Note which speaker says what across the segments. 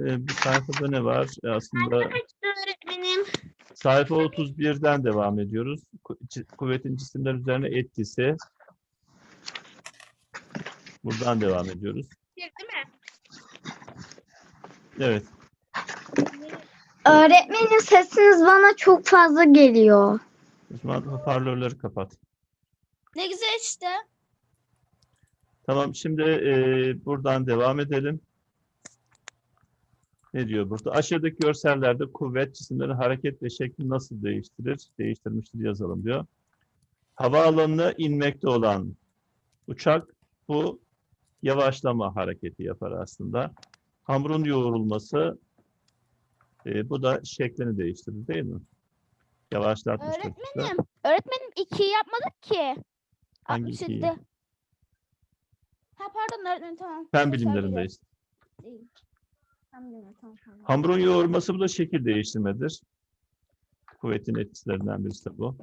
Speaker 1: bu sayfada ne var? Aslında
Speaker 2: Öğretmenim.
Speaker 1: sayfa 31'den devam ediyoruz. Kuvvetin cisimler üzerine etkisi. Buradan devam ediyoruz.
Speaker 2: Değil mi?
Speaker 1: Evet.
Speaker 3: Öğretmenim sesiniz bana çok fazla geliyor.
Speaker 1: O zaman hoparlörleri kapat.
Speaker 2: Ne güzel işte.
Speaker 1: Tamam, şimdi buradan devam edelim. Ne diyor burada? Aşağıdaki görsellerde kuvvet cisimlerin hareket ve şekli nasıl değiştirir? Değiştirmiştir yazalım diyor. Havaalanına inmekte olan uçak bu yavaşlama hareketi yapar aslında. Hamurun yoğrulması bu da şeklini değiştirir değil mi? Yavaşlatmıştır.
Speaker 2: Öğretmenim 2'yi yapmadık ki.
Speaker 1: Hangi
Speaker 2: 67.
Speaker 1: ikiyi?
Speaker 2: Ha pardon öğretmenim tamam.
Speaker 1: Fen bilimlerindeyiz. Hamurun yoğurması bu da şekil değiştirmedir. Kuvvetin etkilerinden birisi de bu.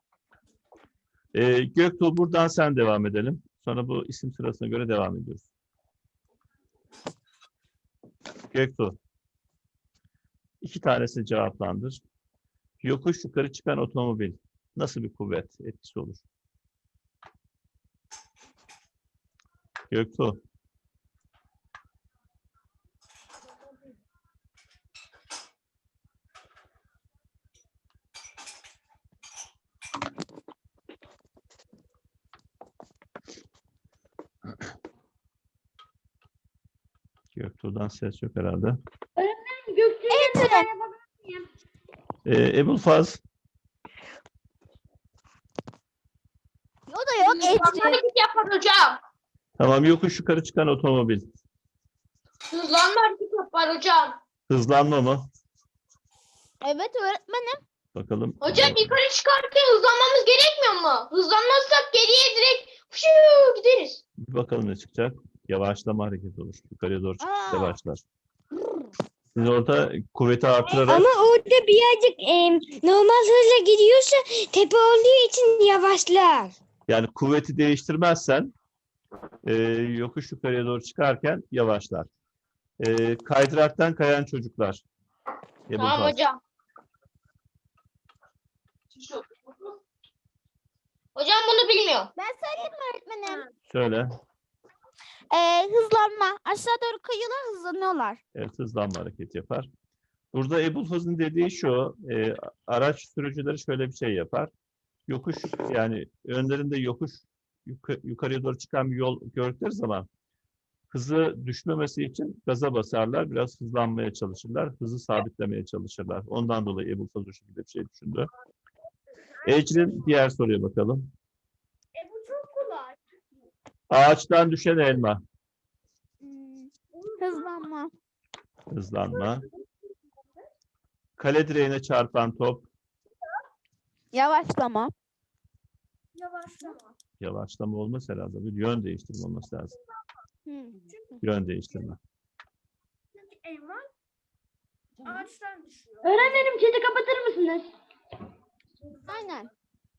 Speaker 1: Göktuğ, buradan sen devam edelim. Sonra bu isim sırasına göre devam ediyoruz. Göktuğ. 2 tanesini cevaplandır. Yokuş yukarı çıkan otomobil nasıl bir kuvvet etkisi olur? Göktuğ. Göktuğ'dan ses yok herhalde. Ebulfaz.
Speaker 2: O da yok.
Speaker 4: Hareket yapar hocam.
Speaker 1: Tamam, yokuş yukarı çıkan otomobil.
Speaker 4: Hızlanma hareket yapar hocam.
Speaker 1: Hızlanma mı?
Speaker 2: Evet öğretmenim.
Speaker 1: Bakalım.
Speaker 4: Hocam yukarı çıkarken hızlanmamız gerekmiyor mu? Hızlanmazsak geriye direkt fışuu gideriz.
Speaker 1: Bir bakalım ne çıkacak. Yavaşlama hareketi olur. Yukarıya doğru çıkıp
Speaker 2: Aa.
Speaker 1: yavaşlar. Siz orada kuvveti artırarak
Speaker 3: Ama orada birazcık normal hızla gidiyorsa tepe olduğu için yavaşlar.
Speaker 1: yani kuvveti değiştirmezsen yokuş yukarıya doğru çıkarken yavaşlar. Kaydıraktan kayan çocuklar.
Speaker 4: Tamam
Speaker 1: Ebulfaz.
Speaker 4: hocam. Hocam bunu bilmiyor.
Speaker 2: Ben söyleyeyim mi öğretmenim?
Speaker 1: Şöyle.
Speaker 2: Hızlanma. Aşağı doğru kayıyorlar hızlanıyorlar.
Speaker 1: Evet, hızlanma hareketi yapar. Burada Ebulfaz'ın dediği şu, araç sürücüleri şöyle bir şey yapar. Yokuş, yani önlerinde yokuş yukarıya doğru çıkan bir yol gördükleri zaman hızı düşmemesi için gaza basarlar, biraz hızlanmaya çalışırlar, hızı sabitlemeye çalışırlar. Ondan dolayı Ebulfaz o şekilde bir şey düşündü. Ecrin diğer soruya bakalım.
Speaker 4: Bu çok kolay.
Speaker 1: Ağaçtan düşen elma.
Speaker 2: Hızlanma.
Speaker 1: Hızlanma. Kale direğine çarpan top.
Speaker 2: Yavaşlama.
Speaker 4: Yavaşlama.
Speaker 1: Yavaşlama olmaz herhalde. Bir yön değiştirme olması lazım.
Speaker 2: Hı.
Speaker 1: Yön değiştirme.
Speaker 4: Çünkü elma ağaçtan düşüyor.
Speaker 3: Öğretmenim chat'i kapatır mısınız?
Speaker 2: Aynen.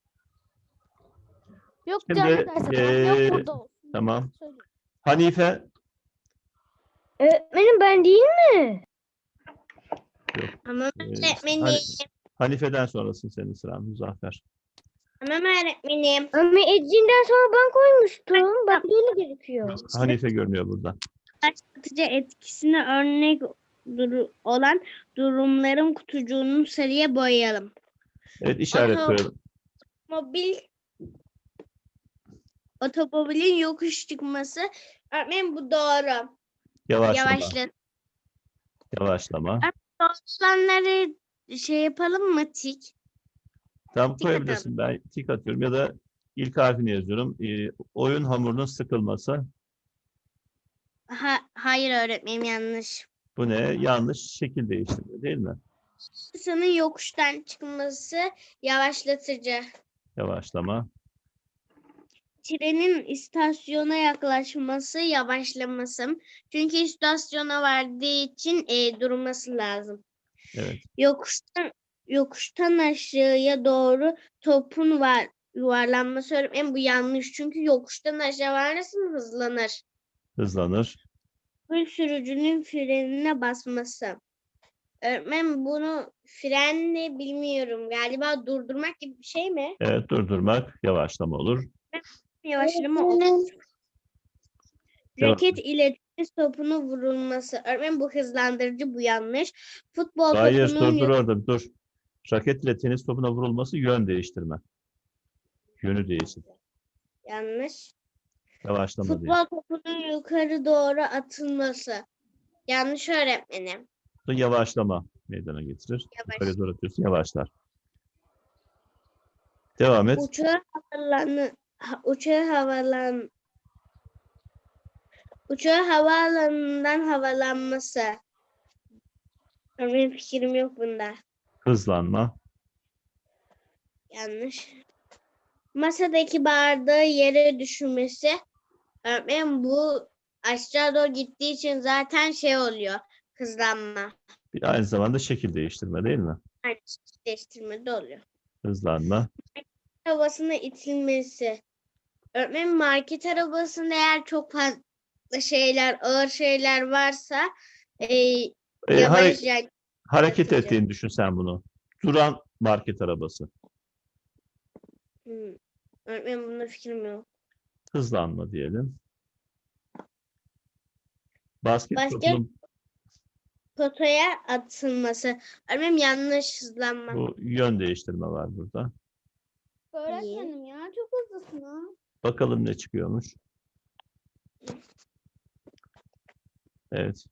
Speaker 2: Yok
Speaker 1: Şimdi,
Speaker 2: canım derse yok burada olsun.
Speaker 1: Tamam.
Speaker 2: Söyle.
Speaker 1: Hanife.
Speaker 3: Öğretmenim ben değil mi?
Speaker 4: Tamam
Speaker 1: Hani- Hanife'den sonrasın senin sıran Muzaffer.
Speaker 4: Tamam öğretmenim.
Speaker 3: Ama Ecrin'den sonra ben koymuştum. Bak böyle gerekiyor.
Speaker 1: Hanife görünüyor burada.
Speaker 5: Başlatıcı etkisine örnek olan durumların kutucuğunu sarıya boyayalım.
Speaker 1: Evet, işaret
Speaker 5: Aha.
Speaker 1: koyalım.
Speaker 5: Otomobilin yokuş çıkması. Öğretmenim bu doğru.
Speaker 1: Yavaşlama.
Speaker 5: Yavaşla.
Speaker 1: Yavaşlama.
Speaker 5: Doğrulanları şey yapalım mı tik?
Speaker 1: Tam
Speaker 5: Tik
Speaker 1: koyabilirsin. Ben tik atıyorum ya da ilk harfini yazıyorum. Oyun hamurunun sıkılması.
Speaker 5: Hayır öğretmenim yanlış.
Speaker 1: Bu ne? Yanlış şekil değiştirme değil mi?
Speaker 5: Insanın yokuştan çıkması yavaşlatıcı.
Speaker 1: Yavaşlama.
Speaker 5: Trenin istasyona yaklaşması yavaşlaması. Çünkü istasyona vardığı için durması lazım.
Speaker 1: Evet.
Speaker 5: Yokuştan aşağıya doğru topun yuvarlanması öğretmenim bu yanlış. Çünkü yokuştan aşağı varırsın hızlanır.
Speaker 1: Hızlanır.
Speaker 5: otomobil sürücünün frenine basması. Öğretmenim bunu frenle bilmiyorum. Galiba durdurmak gibi bir şey mi?
Speaker 1: Evet, durdurmak, yavaşlama olur.
Speaker 5: Yavaşlama olur.
Speaker 1: Devam
Speaker 5: Raket ile tenis topunu vurulması. Öğretmenim bu hızlandırıcı, bu yanlış. Futbol
Speaker 1: Hayır,
Speaker 5: topunun
Speaker 1: dur orada, dur. Raket ile tenis topuna vurulması yön değiştirme. Yönü değişir.
Speaker 5: yanlış.
Speaker 1: Yavaşlama değil.
Speaker 5: Futbol topunun yukarı doğru atılması. Yanlış öğretmenim.
Speaker 1: Bu yavaşlama meydana getirir.
Speaker 5: Yavaş.
Speaker 1: Yukarı doğru atıyorsun, yavaşlar. Devam et.
Speaker 5: Uçağı havaalanından havalanması. Benim fikrim yok bunda.
Speaker 1: Hızlanma.
Speaker 5: Yanlış. Masadaki bardağı yere düşürmesi. Öğretmenim bu aşağı doğru gittiği için zaten şey oluyor. Hızlanma.
Speaker 1: Bir aynı zamanda şekil değiştirme değil mi?
Speaker 5: Aynı şey değiştirme de oluyor.
Speaker 1: Hızlanma.
Speaker 5: Arabasına itilmesi. Öğretmenim market arabasında eğer çok fazla ağır şeyler varsa yavaş yani
Speaker 1: Hareket
Speaker 5: yapacak.
Speaker 1: ettiğini düşün sen bunu. Duran market arabası.
Speaker 5: Öğretmenim bunda fikrim yok.
Speaker 1: Hızlanma diyelim. Basket
Speaker 5: Basket
Speaker 1: topunun
Speaker 5: potaya atılması. Öğretmenim yanlış hızlanma.
Speaker 1: bu yön değiştirme var burada.
Speaker 2: Öğretmenim ya çok hızlısın ha.
Speaker 1: Bakalım ne çıkıyormuş. Evet.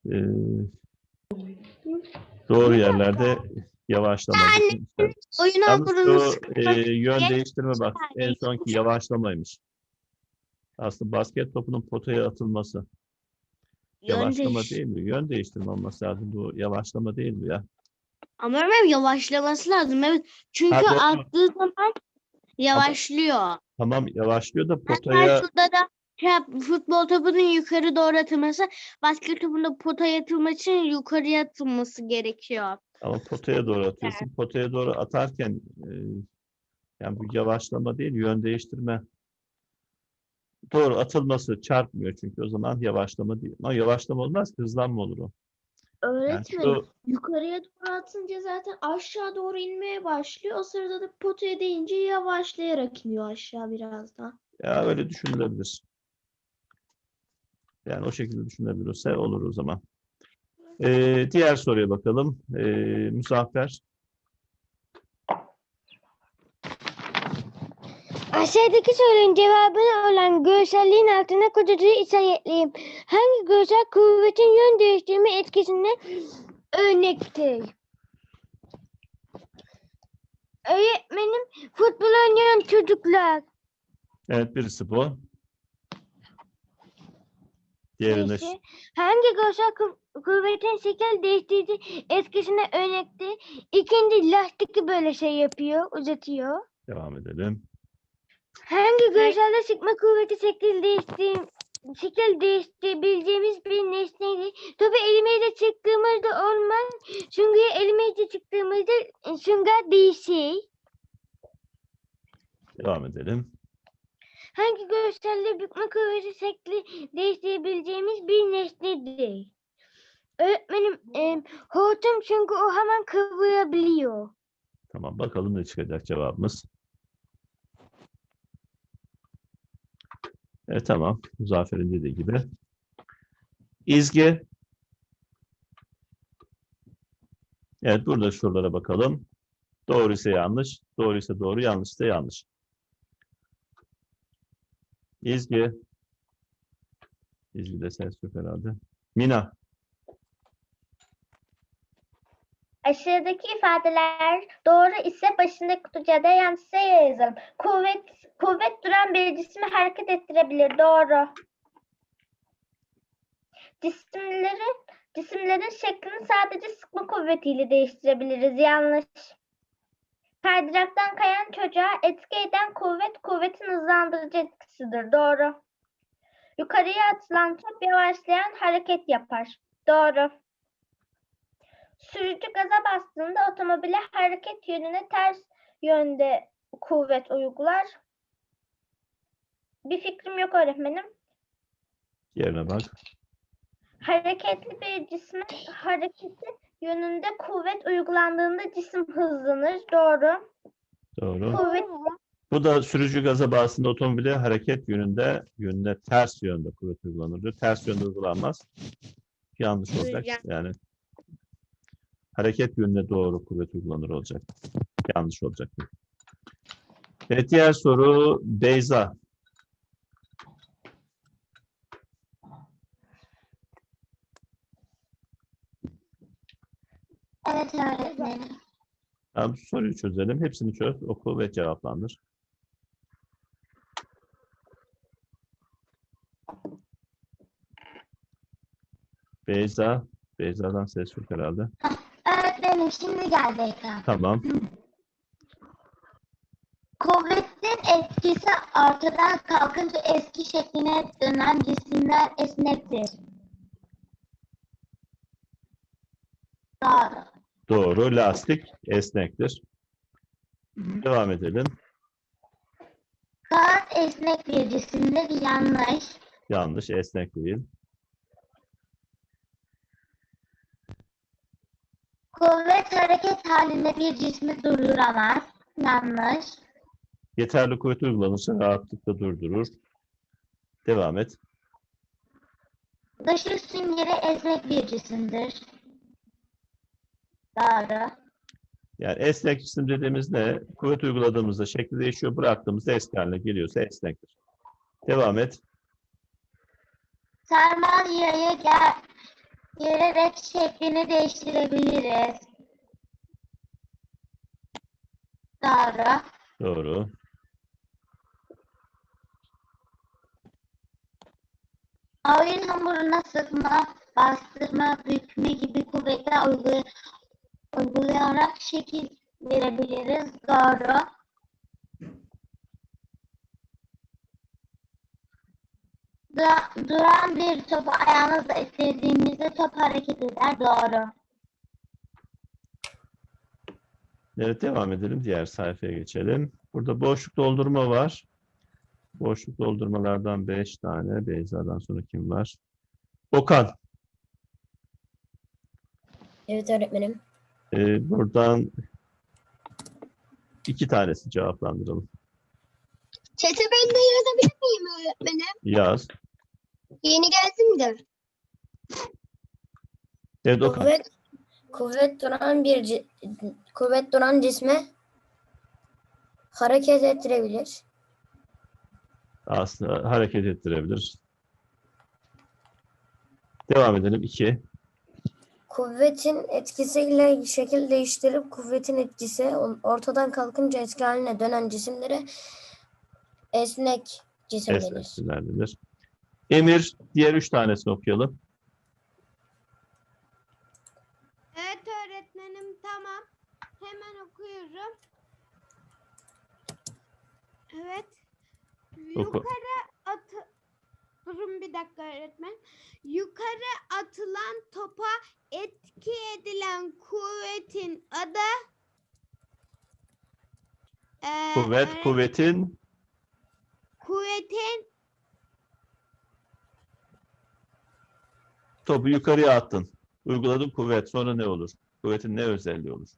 Speaker 1: Doğru yerlerde yavaşlama. düşünmüşler.
Speaker 5: Oyun
Speaker 1: Yalnız
Speaker 5: hamurunu
Speaker 1: şu yön değiştirme bak. En sonki yavaşlamaymış. Aslında basket topunun potaya atılması. Yavaşlama değil mi? Yön değiştirme olması lazım. Bu yavaşlama değil mi ya?
Speaker 5: Ama öğretmenim yavaşlaması lazım. Evet. Çünkü
Speaker 1: Ha, doğru.
Speaker 5: attığı zaman yavaşlıyor.
Speaker 1: Tamam yavaşlıyor da
Speaker 5: Hatta
Speaker 1: potaya
Speaker 5: şurada da futbol topunun yukarı doğru atılması, basket topunun potaya atılması için yukarıya atılması gerekiyor.
Speaker 1: ama potaya doğru atıyorsun. Potaya doğru atarken yani bu yavaşlama değil, yön değiştirme. Doğru atılması çarpmıyor çünkü o zaman yavaşlama değil. Ama yavaşlama olmaz ki hızlanma olur o. Yani
Speaker 6: Öğretmenim
Speaker 1: şu,
Speaker 6: yukarıya doğru atınca zaten aşağı doğru inmeye başlıyor. O sırada da potaya değince yavaşlayarak iniyor aşağı biraz daha.
Speaker 1: ya öyle düşünülebilir. Yani o şekilde düşünebilirse olur o zaman. Diğer soruya bakalım. Muzaffer.
Speaker 3: Aşağıdaki sorunun cevabını olan görselliğin altına kutucuğu işaretleyeyim. Hangi görsel kuvvetin yön değiştirme etkisine örnektir? Öğretmenim, futbol oynayan çocuklar.
Speaker 1: Evet birisi bu. Diğerine
Speaker 3: Neyse. Hangi görsel kuvvetin şekil değiştirici etkisine örnektir? İkinci lastik böyle şey yapıyor, uzatıyor.
Speaker 1: devam edelim.
Speaker 3: Hangi görselde sıkma kuvveti şekil değiştirebileceğimiz bir nesneydi? Topu elimizle çıktığımızda olmaz. Süngeri elimizle çıktığımızda sünger değişir.
Speaker 1: Devam edelim.
Speaker 3: Hangi görselde bükme kuvveti şekli değiştirebileceğimiz bir nesnedir? Öğretmenim, hortum çünkü o hemen kıvırabiliyor.
Speaker 1: Tamam bakalım ne çıkacak cevabımız. Evet tamam. Muzaffer'in dediği gibi. İzgi. Evet burada şuralara bakalım. Doğru ise yanlış. Doğru ise doğru. Yanlış ise yanlış. İzgi. İzgi'de ses yok herhalde. Mina.
Speaker 4: Aşağıdaki ifadeler doğru ise başındaki kutucuğa da yanlışsa yazalım. Kuvvet duran bir cismi hareket ettirebilir. Doğru. Cisimlerin şeklini sadece sıkma kuvvetiyle değiştirebiliriz. Yanlış. Kaydıraktan kayan çocuğa etki eden kuvvetin hızlandırıcı etkisidir. Doğru. Yukarıya atılan top yavaşlayan hareket yapar. Doğru. Sürücü gaza bastığında otomobile hareket yönüne ters yönde kuvvet uygular. Bir fikrim yok öğretmenim.
Speaker 1: Yerine bak.
Speaker 4: Hareketli bir cisme hareketi yönünde kuvvet uygulandığında cisim hızlanır. Doğru.
Speaker 1: Doğru.
Speaker 4: Kuvvet
Speaker 1: Bu da sürücü gaza bağısında otomobile hareket yönünde ters yönde kuvvet uygulanır diyor. Ters yönde uygulanmaz. Yanlış olacak.
Speaker 5: Rüzgar.
Speaker 1: Yani hareket yönüne doğru kuvvet uygulanır olacak. Yanlış olacak. Evet, diğer soru Beyza.
Speaker 3: Evet öğretmenim.
Speaker 1: Tamam, soruyu çözelim. Hepsini çöz, oku ve cevaplandır. Beyza. Beyza'dan ses yok herhalde.
Speaker 3: Öğretmenim şimdi geldi ekran.
Speaker 1: Tamam.
Speaker 3: Kuvvetin etkisi ortadan kalkınca eski şekline dönen cisimler esnektir. Doğru.
Speaker 1: Doğru. Lastik esnektir. Devam edelim.
Speaker 3: Kağıt esnek bir cisimdir. Yanlış.
Speaker 1: Yanlış. Esnek değil.
Speaker 3: Kuvvet hareket halinde bir cismi durduramaz. Yanlış.
Speaker 1: Yeterli kuvvet uygulanırsa rahatlıkla durdurur. Devam et.
Speaker 3: Işık süngeri esnek bir cisimdir. Doğru.
Speaker 1: Yani esnek cisim dediğimiz ne? Kuvvet uyguladığımızda şekli değişiyor. Bıraktığımızda eski haline geliyorsa esnektir. Devam et.
Speaker 3: Sarmal yayı gererek şeklini değiştirebiliriz. Doğru.
Speaker 1: Doğru.
Speaker 3: Oyun hamuruna sıkma, bastırma, bükme gibi kuvvetler uygulayarak şekil verebiliriz. Doğru. Duran bir topu ayağımızla ittirdiğimizde top hareket eder. Doğru.
Speaker 1: Evet, devam edelim. Diğer sayfaya geçelim. Burada boşluk doldurma var. Boşluk doldurmalardan 5 tane. Beyza'dan sonra kim var? Okan.
Speaker 7: Evet öğretmenim.
Speaker 1: Buradan 2 tanesi cevaplandıralım.
Speaker 7: Çete ben de yazabilir miyim öğretmenim?
Speaker 1: Yaz.
Speaker 7: Yeni geldim de.
Speaker 1: Evet, Okan.
Speaker 7: Kuvvet duran cisme hareket ettirebilir.
Speaker 1: Aslında hareket ettirebilir. Devam edelim. 2.
Speaker 7: Kuvvetin etkisiyle şekil değiştirip kuvvetin etkisi ortadan kalkınca eski haline dönen cisimlere esnek cisim denir.
Speaker 1: Esnekler denir. Emir, diğer 3 tanesini okuyalım.
Speaker 2: Evet öğretmenim, tamam. Hemen okuyorum. Evet.
Speaker 1: Oku.
Speaker 2: Durun bir dakika öğretmen. Yukarı atılan topa etki edilen kuvvetin adı
Speaker 1: Kuvvetin topu yukarıya attın. Uyguladın kuvvet. Sonra ne olur? Kuvvetin ne özelliği olur?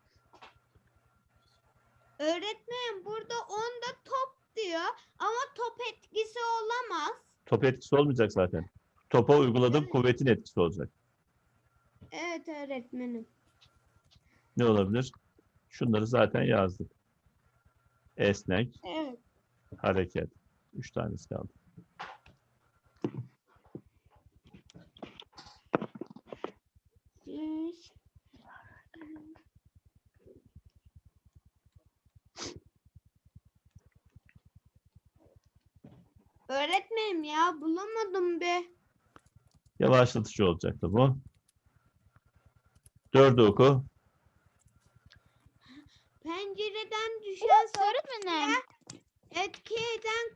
Speaker 2: öğretmenim burada onda top diyor ama top etkisi olamaz.
Speaker 1: Top etkisi olmayacak zaten. Topa uyguladığım kuvvetin etkisi olacak.
Speaker 2: Evet öğretmenim.
Speaker 1: Ne olabilir? Şunları zaten yazdık. Esnek,
Speaker 2: Evet.
Speaker 1: hareket. 3 tanesi kaldı.
Speaker 2: Öğretmenim ya bulamadım be.
Speaker 1: Yavaşlatıcı olacaktı bu. 4'ü oku.
Speaker 2: Pencereden düşen öğretmenim. Etki eden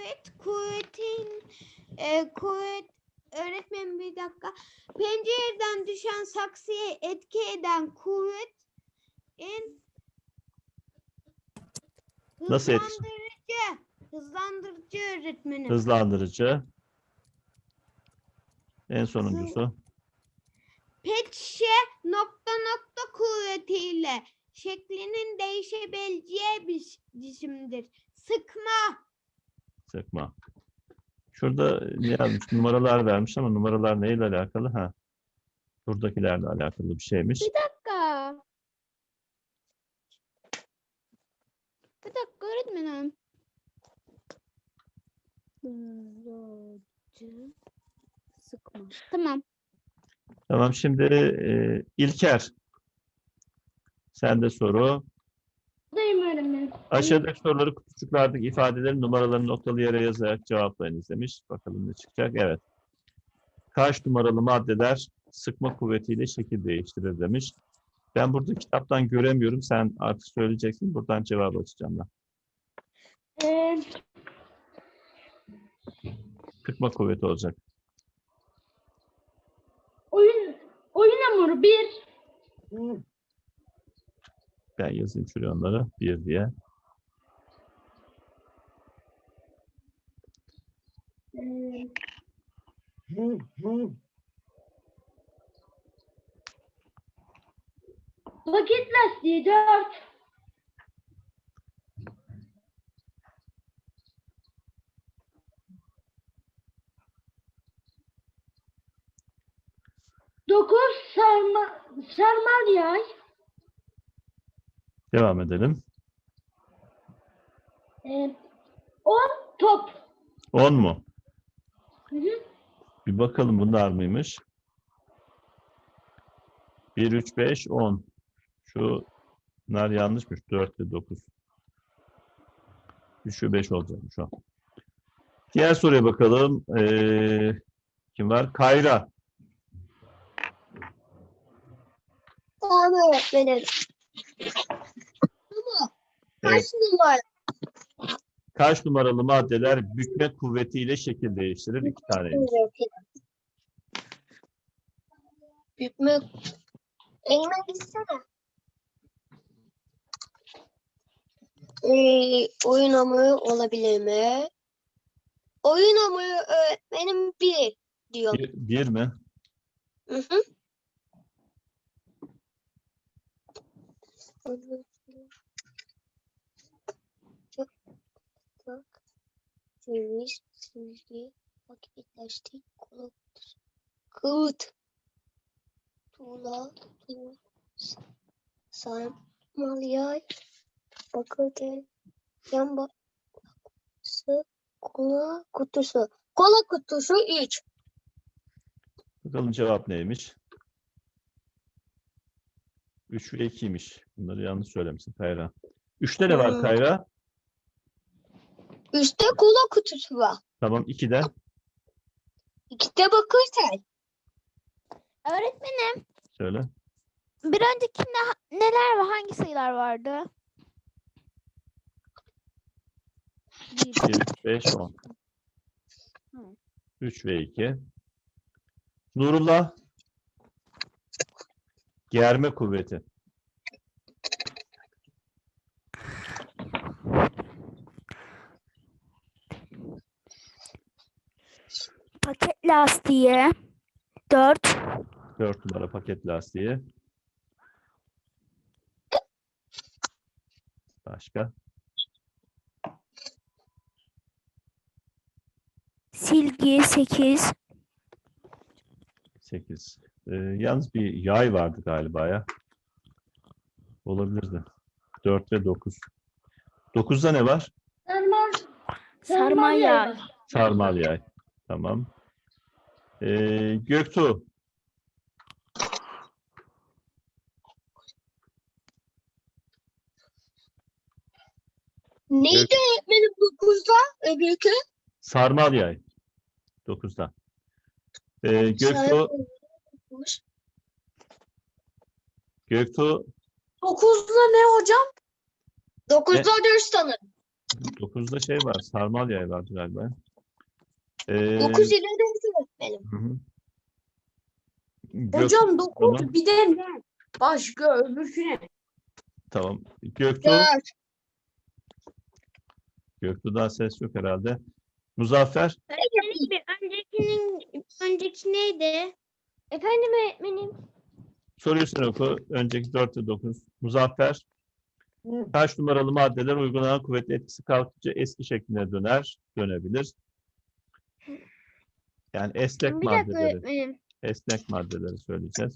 Speaker 2: kuvvet öğretmenim bir dakika. Pencereden düşen saksıya etki eden kuvvet
Speaker 1: Nasıl etkisi?
Speaker 2: hızlandırıcı öğretmenim.
Speaker 1: Hızlandırıcı. En sonuncusu.
Speaker 2: Pet şişe nokta nokta kuvvetiyle şeklinin değişebileceği bir cisimdir. Sıkma.
Speaker 1: Sıkma. Şurada ne yazmış? Numaralar vermiş ama numaralar neyle alakalı? Ha. Buradakilerle alakalı bir şeymiş.
Speaker 2: dakika. Bir dakika öğretmenim.
Speaker 6: Sıkma.
Speaker 2: Tamam.
Speaker 1: Tamam, şimdi İlker. Sende soru.
Speaker 7: Buradayım öğretmenim.
Speaker 1: Aşağıdaki soruları kutucuklardaki ifadelerin numaralarını noktalı yere yazarak cevaplayınız demiş. Bakalım ne çıkacak. Evet. Kaç numaralı maddeler sıkma kuvvetiyle şekil değiştirir demiş. Ben burada kitaptan göremiyorum. Sen artık söyleyeceksin. Buradan cevabı açacağım ben. Sıkma kuvveti olacak.
Speaker 7: Oyun hamuru 1.
Speaker 1: Ben yazayım şuraya onları. 1 diye.
Speaker 7: Paket lastiği 4. Dokuz sarmal yay.
Speaker 1: Devam edelim.
Speaker 7: 10 top.
Speaker 1: 10 mu?
Speaker 7: Hı hı.
Speaker 1: Bir bakalım bunlar mıymış? 1, 3, 5, 10. Şunlar yanlışmış. 4 ve 9. 3 ve 5 olacakmış o. Diğer soruya bakalım. Kim var? Kayra.
Speaker 7: Tamam öğretmenim.
Speaker 1: Evet.
Speaker 7: numara?
Speaker 1: Kaç numaralı maddeler bükme kuvvetiyle şekil değiştirir? 2 taneymiş.
Speaker 7: Bükme. Elime gitsene. Oyun hamuru olabilir mi? Oyun hamuru öğretmenim 1 diyor.
Speaker 1: 1 mi?
Speaker 7: Hı hı. Ceviz, silgi, paket lastik, kağıt, tuğla, sarmal yay, bakırken, yan baksı, kola kutusu. Kola kutusu 3.
Speaker 1: Bakalım cevap neymiş? 3 ve 2'ymiş. Bunları yanlış söylemişsin Kayra. 3'te ne var Kayra?
Speaker 7: Üstte kola kutusu var.
Speaker 1: Tamam, 2'de.
Speaker 7: 2'de bakırken.
Speaker 2: Öğretmenim,
Speaker 1: Söyle.
Speaker 2: bir öncekinde neler ve hangi sayılar vardı?
Speaker 1: 1, 3, 5, 10. 3 ve 2. Nurullah. Germe kuvveti.
Speaker 2: Paket lastiği 4.
Speaker 1: 4 numara paket lastiği. Başka?
Speaker 2: Silgi 8.
Speaker 1: 8. Yalnız bir yay vardı galiba ya. Olabilirdi. 4 ve 9. 9'da ne var?
Speaker 2: Sarmal yay.
Speaker 1: Sarmal yay. Tamam. Göktuğ.
Speaker 7: Neydi öğretmenim 9'da öbürkü?
Speaker 1: Sarmal yay. 9'da. Göktuğ. Göktuğ.
Speaker 7: 9'da ne hocam? 9'da 4 sanırım.
Speaker 1: 9'da şey var. Sarmal yay vardı galiba.
Speaker 7: 9 ile 4 öğretmenim.
Speaker 1: Hı hı.
Speaker 6: Hocam
Speaker 1: Tamam.
Speaker 6: 9 bir de ne? Başka öbürküne.
Speaker 1: Tamam. Göktuğ.
Speaker 7: 4.
Speaker 1: Göktuğ'dan ses yok herhalde. Muzaffer,
Speaker 5: Öğretmenim önceki neydi?
Speaker 3: Efendim öğretmenim.
Speaker 1: soruyu sen oku. Önceki 4 ve 9. Muzaffer, kaç numaralı maddeler uygulanan kuvvetli etkisi kalkınca eski şekline dönebilir? Yani esnek
Speaker 3: Bir dakika
Speaker 1: maddeleri,
Speaker 3: öğretmenim.
Speaker 1: esnek maddeleri söyleyeceğiz.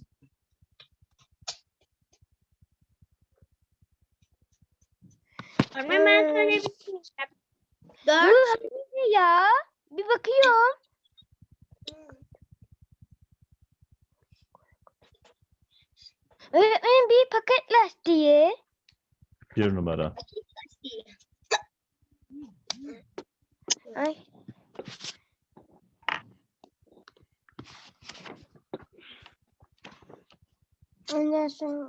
Speaker 5: Öğretmenim ben söyleyebilirim. 4.
Speaker 3: Ne ya? Bir bakıyorum. Öğretmenim bir paket lastiği.
Speaker 1: 1 numara.
Speaker 3: Ay. Ondan sonra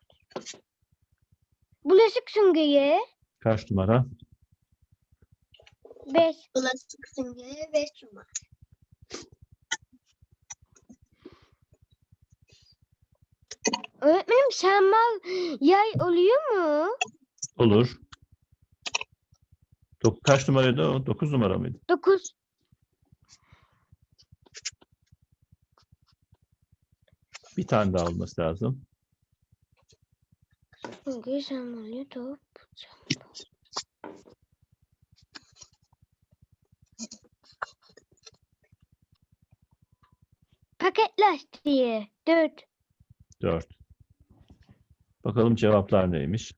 Speaker 3: bulaşık süngeri
Speaker 1: Kaç numara?
Speaker 3: 5.
Speaker 7: Bulaşık süngeri 5 numara.
Speaker 3: Öğretmenim sarmal yay oluyor mu?
Speaker 1: Olur. Kaç numaraydı o? 9 numara mıydı?
Speaker 3: 9.
Speaker 1: Bir tane daha olması lazım.
Speaker 3: Süngeri sarmal yay top. Paket lastiği 4.
Speaker 1: 4. Bakalım cevaplar neymiş?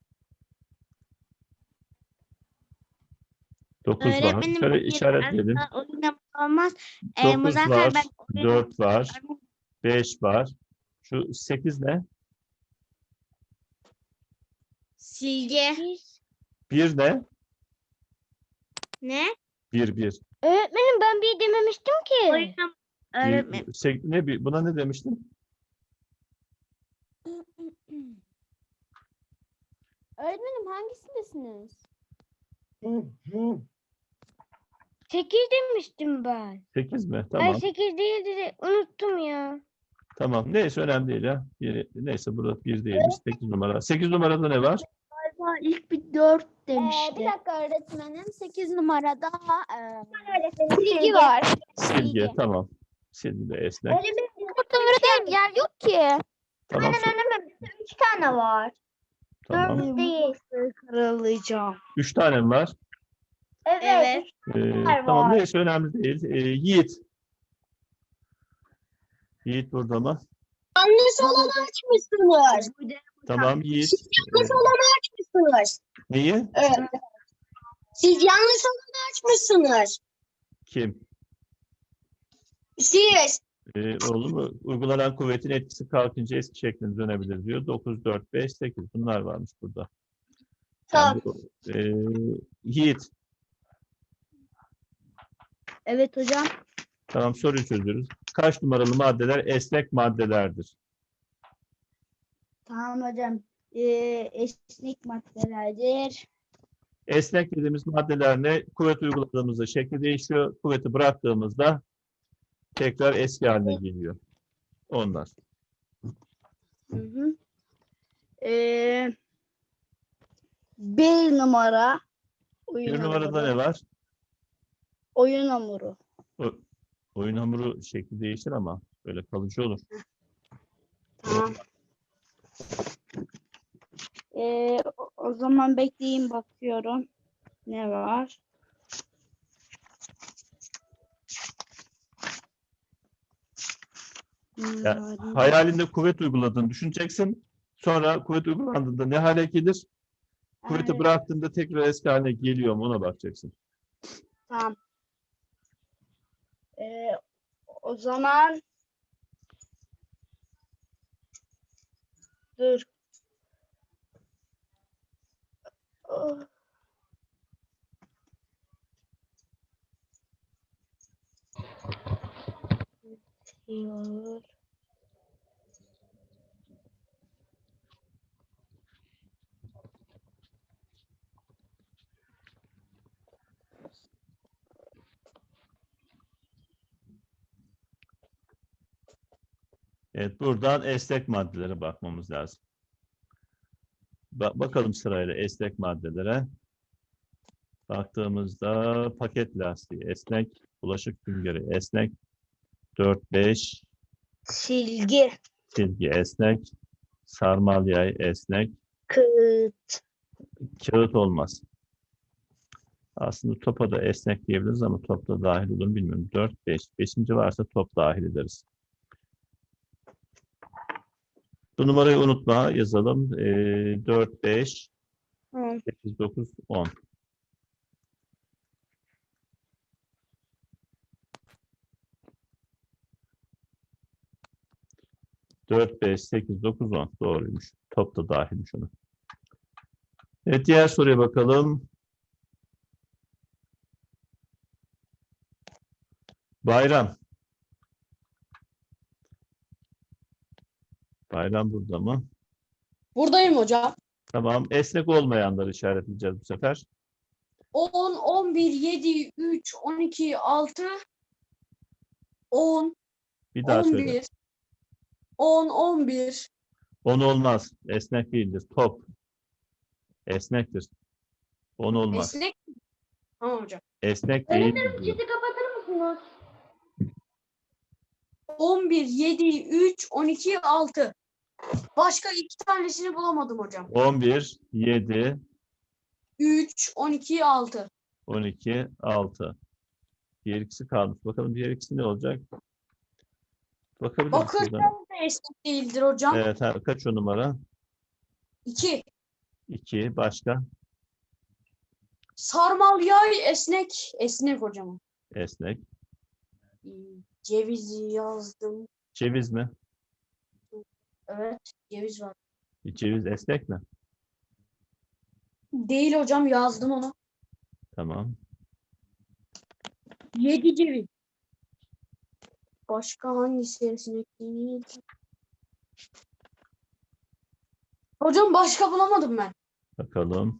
Speaker 1: 9 var.
Speaker 5: Öğretmenim
Speaker 1: Şöyle
Speaker 5: bir
Speaker 1: işaretleyelim.
Speaker 5: asla oynamak olmaz.
Speaker 1: 9
Speaker 5: Muzaffer
Speaker 1: var,
Speaker 5: ben
Speaker 1: 4 var, 5 var. Şu 8 ne?
Speaker 5: Silge.
Speaker 1: 1 ne?
Speaker 5: Ne?
Speaker 1: 1.
Speaker 3: Öğretmenim ben bir dememiştim ki.
Speaker 5: Oyunum. Öğretmenim.
Speaker 1: Buna ne demiştin?
Speaker 2: Öğretmenim hangisindesiniz?
Speaker 3: 8 demiştim ben.
Speaker 1: 8 mi?
Speaker 3: Ay
Speaker 1: Tamam.
Speaker 3: 8 değildi de unuttum ya.
Speaker 1: Tamam. Neyse önemli değil ya. Neyse burada 1 değilmiş. 8 numara. 8 numarada ne var?
Speaker 6: Galiba ilk bir 4 demişti.
Speaker 2: Bir dakika öğretmenim. 8 numarada
Speaker 4: Öğretmenim
Speaker 2: silgi var.
Speaker 1: Silgi. Tamam. Silgi de esnek.
Speaker 2: Burada öğretmenim yer yok ki.
Speaker 1: Tamam.
Speaker 4: Öğretmenim 3 tane var.
Speaker 1: Tamam.
Speaker 4: 4 değil.
Speaker 6: Karalayacağım.
Speaker 1: 3 tane mi var?
Speaker 4: Evet.
Speaker 1: Tamam.
Speaker 4: var.
Speaker 1: Neyse önemli değil. Yiğit. Yiğit burada mı?
Speaker 7: Yanlış olanı açmışsınız.
Speaker 1: Tamam Yiğit.
Speaker 7: Yanlış olanı açmışsınız.
Speaker 1: Neyi?
Speaker 7: Evet. Siz yanlış olanı açmışsınız.
Speaker 1: Kim?
Speaker 7: Siz.
Speaker 1: Oğlum uygulanan kuvvetin etkisi kalkınca eski şekline dönebilir diyor. 9, 4, 5, 8. Bunlar varmış burada.
Speaker 7: Tamam.
Speaker 1: Yiğit.
Speaker 6: Evet hocam.
Speaker 1: Tamam soruyu çözüyoruz. Kaç numaralı maddeler esnek maddelerdir?
Speaker 6: Tamam hocam. Esnek maddelerdir.
Speaker 1: Esnek dediğimiz maddeler ne? Kuvvet uyguladığımızda şekli değişiyor. Kuvveti bıraktığımızda tekrar eski haline geliyor. Onlar.
Speaker 6: Hı hı. 1 numara.
Speaker 1: Bir numarada ne var?
Speaker 6: Oyun hamuru.
Speaker 1: Oyun hamuru şekli değişir ama böyle kalıcı olur.
Speaker 6: Tamam. O zaman bekleyin bakıyorum. Ne var?
Speaker 1: Hayalinde kuvvet uyguladığını düşüneceksin. Sonra kuvvet uygulandığında ne hale gelir? Kuvveti
Speaker 6: Evet.
Speaker 1: bıraktığında tekrar eski haline geliyor mu ona bakacaksın.
Speaker 6: Tamam. O zaman dur. Oh. Diyor.
Speaker 1: Evet, buradan esnek maddelere bakmamız lazım. Bakalım sırayla esnek maddelere. Baktığımızda paket lastiği esnek, bulaşık süngeri esnek, 4-5
Speaker 7: Silgi.
Speaker 1: silgi esnek, sarmal yay esnek,
Speaker 7: Kağıt.
Speaker 1: kağıt olmaz. Aslında topa da esnek diyebiliriz ama top da dahil olur mu bilmiyorum. 4-5. 5. varsa top dahil ederiz. Bu numarayı unutma. Yazalım. 4-5 8-9-10. Dört, 5, 8, 9, 10. Doğruymuş. Top da dahilmiş ona. Evet, diğer soruya bakalım. Bayram. Bayram burada mı?
Speaker 8: Buradayım hocam.
Speaker 1: Tamam. Esnek olmayanları işaretleyeceğiz bu sefer.
Speaker 8: 10, 11, 7, 3, 12, 6, 10,
Speaker 1: Bir daha söyle.
Speaker 8: 11, 10, 11.
Speaker 1: 10 olmaz. Esnek değildir. Top. Esnektir. 10 olmaz.
Speaker 8: Esnek. Tamam hocam.
Speaker 1: Esnek değil.
Speaker 4: kapatır mısınız?
Speaker 8: 11, 7, 3, 12, 6. Başka iki tanesini bulamadım hocam.
Speaker 1: 11, 7,
Speaker 8: 3, 12, 6.
Speaker 1: 12, 6. Diğer ikisi kalmış. Bakalım diğer ikisi ne olacak? Bakabilir misin
Speaker 8: Bakırköy
Speaker 1: buradan?
Speaker 8: de esnek değildir hocam.
Speaker 1: Evet. Kaç o numara?
Speaker 8: 2.
Speaker 1: 2. Başka?
Speaker 8: Sarmal yay esnek. Esnek hocam.
Speaker 1: Esnek.
Speaker 8: Cevizi yazdım.
Speaker 1: Ceviz mi?
Speaker 8: Evet. Ceviz var.
Speaker 1: Ceviz esnek mi?
Speaker 8: Değil hocam, yazdım onu.
Speaker 1: Tamam.
Speaker 8: 7 ceviz. Başka hangisi esnek değil? Hocam başka bulamadım ben.
Speaker 1: Bakalım.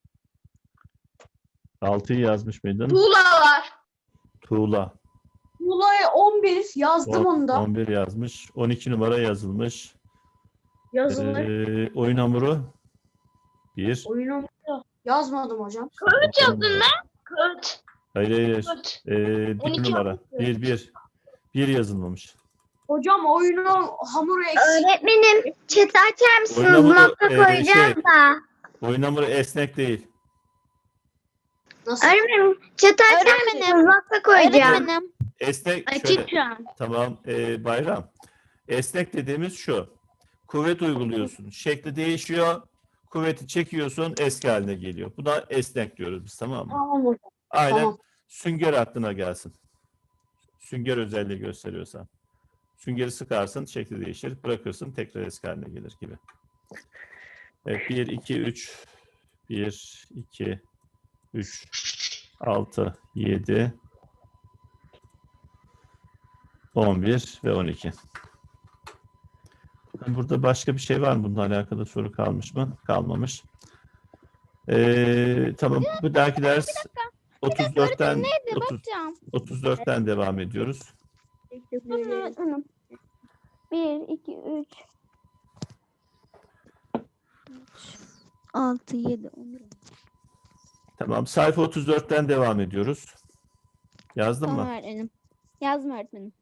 Speaker 1: 6'yı yazmış mıydın?
Speaker 4: Tuğla var.
Speaker 1: Tuğla.
Speaker 8: Muğla'ya 11 yazdım onu da.
Speaker 1: 11 yazmış. 12 numara yazılmış.
Speaker 8: Yazılır.
Speaker 1: Oyun hamuru 1.
Speaker 8: Oyunu yazmadım hocam.
Speaker 1: Yazdın lan.
Speaker 7: Kağıt.
Speaker 1: Hayır hayır.
Speaker 7: Kağıt.
Speaker 1: 1
Speaker 7: 12
Speaker 1: numara. 1 yazılmamış.
Speaker 8: Hocam oyunu hamuru eksik.
Speaker 7: Öğretmenim chat açar mısınız?
Speaker 1: Oyun hamuru,
Speaker 7: Nokta koyacağım da.
Speaker 1: Oyun hamuru esnek değil.
Speaker 8: Nasıl?
Speaker 7: Öğretmenim chat açar mısınız? Nokta koyacağım.
Speaker 1: Esnek şöyle. Tamam. Bayram. Esnek dediğimiz şu. Kuvvet uyguluyorsun. Şekli değişiyor. Kuvveti çekiyorsun. Eski haline geliyor. Bu da esnek diyoruz biz, tamam mı?
Speaker 8: Tamam hocam.
Speaker 1: Aynen.
Speaker 8: Tamam.
Speaker 1: Sünger aklına gelsin. Sünger özelliği gösteriyorsan. Süngeri sıkarsın, şekli değişir. Bırakırsın, tekrar eski haline gelir gibi. Evet, 1, 2, 3. 1, 2, 3, 6, 7, 11 ve 12. Burada başka bir şey var mı? Bununla alakalı soru kalmış mı? Kalmamış. Tamam. Bu dahaki ders 34'ten 34'ten devam ediyoruz.
Speaker 3: 1, 2, 3.
Speaker 2: 6, 7, 11.
Speaker 1: Tamam. Sayfa 34'ten devam ediyoruz. Yazdın mı?
Speaker 2: öğretmenim. Yazdım öğretmenim.